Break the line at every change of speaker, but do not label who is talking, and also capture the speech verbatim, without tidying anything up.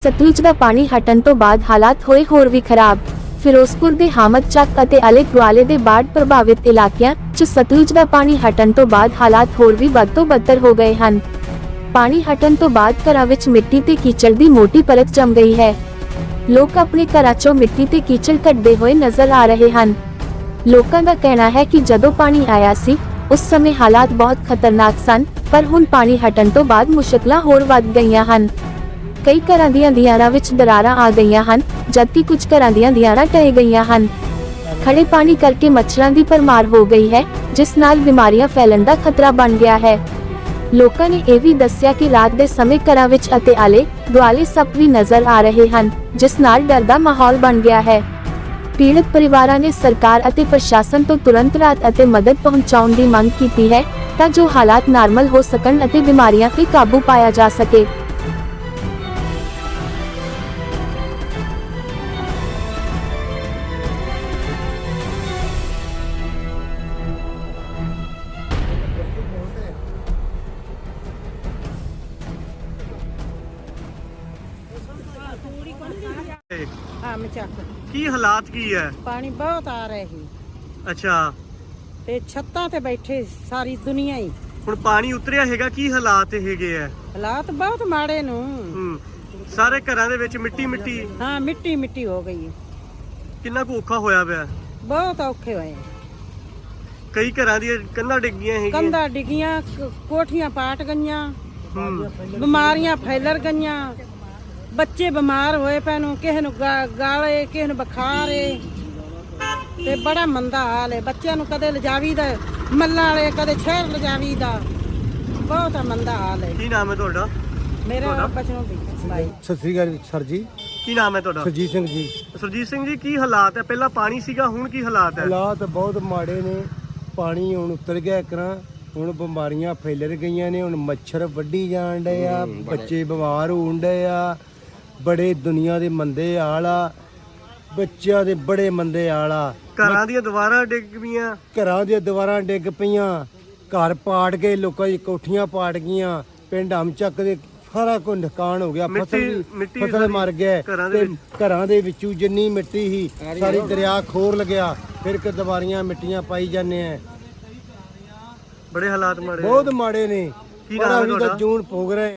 ਸਤਲੁਜ ਦਾ ਪਾਣੀ ਹਟਣ ਤੋਂ ਬਾਅਦ ਹਾਲਾਤ ਹੋਏ ਹੋਰ ਵੀ ਖਰਾਬ। ਫਿਰੋਜ਼ਪੁਰ ਦੇ ਹਾਮਦ ਚੱਕ ਅਤੇ ਆਲੇ ਦੁਆਲੇ ਦੇ ਬਾੜ ਪ੍ਰਭਾਵਿਤ ਇਲਾਕਿਆਂ 'ਚ ਸਤਲੁਜ ਦਾ ਪਾਣੀ ਹਟਣ ਤੋਂ ਬਾਅਦ ਹਾਲਾਤ ਹੋਰ ਵੀ ਬਦ ਤੋਂ ਬਦਤਰ ਹੋ ਗਏ ਹਨ। ਪਾਣੀ ਹਟਣ ਤੋਂ ਬਾਅਦ ਘਰਾਂ ਵਿੱਚ ਮਿੱਟੀ ਤੇ ਕੀਚੜ ਦੀ ਮੋਟੀ ਪਰਤ ਜੰਮ ਗਈ ਹੈ। ਲੋਕ ਆਪਣੇ ਘਰਾਂ 'ਚੋਂ ਮਿੱਟੀ ਤੇ ਕੀਚੜ ਕੱਢਦੇ ਹੋਏ ਨਜ਼ਰ ਆ ਰਹੇ ਹਨ। ਲੋਕਾਂ ਦਾ ਕਹਿਣਾ ਹੈ ਕਿ ਜਦੋਂ ਪਾਣੀ ਆਇਆ ਸੀ ਉਸ ਸਮੇਂ ਹਾਲਾਤ ਬਹੁਤ ਖਤਰਨਾਕ ਸਨ, ਪਰ ਹੁਣ ਪਾਣੀ ਹਟਣ ਤੋਂ ਬਾਅਦ ਮੁਸ਼ਕਲਾਂ ਹੋਰ ਵੱਧ ਗਈਆਂ ਹਨ। ਕਈ ਘਰਾਂ ਦੀਆਂ ਦੀਵਾਰਾਂ ਵਿੱਚ ਦਰਾਰਾਂ ਆ ਗਈਆਂ ਹਨ, ਜਦਕਿ ਕੁਝ ਘਰਾਂ ਦੀਆਂ ਦੀਵਾਰਾਂ ਢਹਿ ਗਈਆਂ ਹਨ। ਖੜੇ ਪਾਣੀ ਕਰਕੇ ਮੱਛਰਾਂ ਦੀ ਭਰਮਾਰ ਹੋ ਗਈ ਹੈ, ਜਿਸ ਨਾਲ ਬਿਮਾਰੀਆਂ ਫੈਲਣ ਦਾ ਖਤਰਾ ਬਣ ਗਿਆ ਹੈ। ਲੋਕਾਂ ਨੇ ਇਹ ਵੀ ਦੱਸਿਆ ਕਿ ਰਾਤ ਦੇ ਸਮੇਂ ਘਰਾਂ ਵਿੱਚ ਅਤੇ ਆਲੇ ਦੁਆਲੇ ਸੱਪ ਵੀ ਨਜ਼ਰ ਆ ਰਹੇ ਹਨ, ਜਿਸ ਨਾਲ ਡਰ ਦਾ ਮਾਹੌਲ ਬਣ ਗਿਆ ਹੈ। ਪੀੜਤ ਪਰਿਵਾਰਾਂ ਨੇ ਸਰਕਾਰ ਅਤੇ ਪ੍ਰਸ਼ਾਸਨ ਤੋਂ ਤੁਰੰਤ ਰਾਹਤ ਅਤੇ ਮਦਦ ਪਹੁੰਚਾਉਣ ਦੀ ਮੰਗ ਕੀਤੀ ਹੈ, ਤਾਂ ਜੋ ਹਾਲਾਤ ਨਾਰਮਲ ਹੋ ਸਕਣ ਅਤੇ ਬਿਮਾਰੀਆਂ 'ਤੇ ਕਾਬੂ ਪਾਇਆ ਜਾ ਸਕੇ।
ਹਾਂ ਮਚਾਕ
ਕੀ ਹਾਲਾਤ ਕੀ ਹੈ?
ਪਾਣੀ ਬਹੁਤ ਆ ਰਿਹਾ ਸੀ
ਅੱਛਾ,
ਤੇ ਛੱਤਾਂ ਤੇ ਬੈਠੇ ਸਾਰੀ ਦੁਨੀਆ ਹੀ।
ਹੁਣ ਪਾਣੀ ਉਤਰਿਆ ਹੈਗਾ, ਕੀ ਹਾਲਾਤ ਹੈਗੇ ਆ?
ਹਾਲਾਤ ਬਹੁਤ ਮਾੜੇ ਨੂੰ।
ਹੂੰ, ਸਾਰੇ ਘਰਾਂ ਦੇ ਵਿੱਚ ਮਿੱਟੀ ਮਿੱਟੀ।
ਹਾਂ ਮਿੱਟੀ ਮਿੱਟੀ ਹੋ ਗਈ,
ਕਿੰਨਾ ਕੁ ਔਖਾ ਹੋਇਆ ਪਿਆ।
ਬਹੁਤ ਔਖੇ ਹੋਏ।
ਕਈ ਘਰਾਂ ਦੀਆਂ ਕੰਧਾਂ ਡਿੱਗੀਆਂ ਹੈਗੀਆਂ।
ਕੰਧਾਂ ਡਿੱਗੀਆਂ, ਕ- ਕੋਠੀਆਂ ਪਾਟ ਗਈਆਂ,
ਹੂੰ,
ਬਿਮਾਰੀਆਂ ਫੈਲਰ ਗਈਆਂ, ਬੱਚੇ ਬਿਮਾਰ ਹੋਏ ਪਏ ਨੂੰ, ਕਿਸੇ ਨੂੰ ਗਾ- ਗਾਲੇ, ਕਿਸੇ ਨੂੰ ਬੁਖਾਰ ਏ, ਤੇ ਬੜਾ ਮੰਦਾ ਹਾਲ ਹੈ। ਬੱਚਿਆਂ ਨੂੰ ਕਦੇ ਲਿਜਾਵੀਦਾ ਮੱਲਾਂ ਵਾਲੇ, ਕਦੇ ਸ਼ਹਿਰ ਲਿਜਾਵੀਦਾ, ਬਹੁਤ ਮੰਦਾ ਹਾਲ ਹੈ।
ਕੀ ਨਾਮ ਹੈ ਤੁਹਾਡਾ?
ਮੇਰਾ ਬਚਨੋਂ ਵੀ ਬਾਈ।
ਸਤਿ ਸ੍ਰੀ ਅਕਾਲ ਸਰ ਜੀ।
ਕੀ ਨਾਮ ਹੈ ਤੁਹਾਡਾ?
ਸਰਜੀਤ ਸਿੰਘ ਜੀ।
ਸੁਰਜੀਤ ਸਿੰਘ ਜੀ, ਕੀ ਹਾਲਾਤ ਹੈ? ਪਹਿਲਾਂ ਪਾਣੀ ਸੀਗਾ, ਹੁਣ ਕੀ ਹਾਲਾਤ ਹੈ?
ਹਾਲਾਤ ਬਹੁਤ ਮਾੜੇ ਨੇ। ਪਾਣੀ ਹੁਣ ਉਤਰ ਗਿਆ ਕਰਾਂ, ਹੁਣ ਬਿਮਾਰੀਆਂ ਫੈਲਰ ਗਈਆਂ ਨੇ। ਹੁਣ ਮੱਛਰ ਵੱਢੀ ਜਾਣ ਡਏ ਆ, ਬੱਚੇ ਬਿਮਾਰ ਹੋਣ ਡਏ ਆ, ਬੜੇ ਦੁਨੀਆ ਦੇ ਮੰਦੇ ਹਾਲ ਆ, ਬੱਚਿਆਂ ਦੇ ਬੜੇ ਮੰਦੇ ਹਾਲ ਆ।
ਘਰਾਂ ਦੀਆਂ ਦੀਵਾਰਾਂ ਡਿੱਗ ਪਈਆਂ,
ਘਰਾਂ ਦੀਆਂ ਦੀਵਾਰਾਂ ਡਿੱਗ ਪਈਆਂ, ਘਰ ਪਾੜ ਗਏ, ਲੋਕਾਂ ਦੀ ਕੋਠੀਆਂ ਪਾੜ ਗਈਆਂ, ਪਿੰਡ ਹਮਚੱਕ ਦੇ ਸਾਰਾ ਕੁਝ ਨੁਕਸਾਨ ਹੋ ਗਿਆ। ਫਸਲ ਵੀ
ਮਿੱਟੀ
ਫਸਲ ਮਰ ਗਏ
ਘਰਾਂ ਦੇ
ਤੇ ਘਰਾਂ ਦੇ ਵਿੱਚੋਂ ਜਿੰਨੀ ਮਿੱਟੀ ਸੀ ਸਾਰੀ ਦਰਿਆ ਖੋਰ ਲਗਿਆ। ਫਿਰ ਕਿ ਦੁਬਾਰੀਆਂ ਮਿੱਟੀਆਂ ਪਾਈ ਜਾਂਦੇ ਆ।
ਬੜੇ ਹਾਲਾਤ ਮਾੜੇ
ਬਹੁਤ ਮਾੜੇ ਨੇ।
ਕੀ ਨਾਮ ਹੈ
ਪਰ ਅਸੀਂ ਤਾਂ
ਤੁਹਾਡਾ?
ਜੂਨ ਭੋਗ ਰਹੇ।